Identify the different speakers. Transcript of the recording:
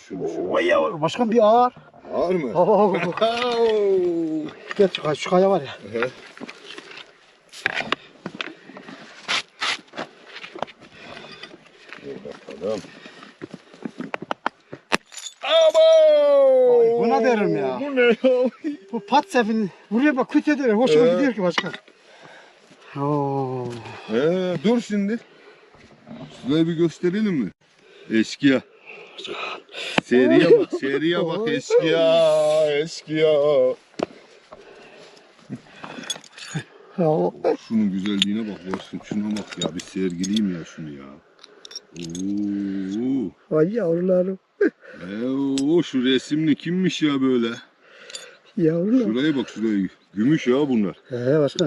Speaker 1: şunu.
Speaker 2: Vay ya başkan bir ağır.
Speaker 1: Ağır mı?
Speaker 2: Oo. Gel şu kaya var ya.
Speaker 1: Evet. Bakalım. Abo!
Speaker 2: Buna derim ya.
Speaker 1: Bu ne ya?
Speaker 2: Bu pat sefini buraya bak küt eder. Hoşuma gidiyor ki başkan. Oo.
Speaker 1: Dur şimdi. Şurayı bir gösterelim mi? Eşkıya. Seriye bak, seriye bak eşkıya, eşkıya. Şunun güzelliğine bak Bosun, şuna bak ya, bir sergileyim ya şunu ya. Oo.
Speaker 2: Vay yavrularım.
Speaker 1: Şu resimli kimmiş ya böyle?
Speaker 2: Yavrularım.
Speaker 1: Şuraya bak şuraya. Gümüş ya bunlar.
Speaker 2: Başkan.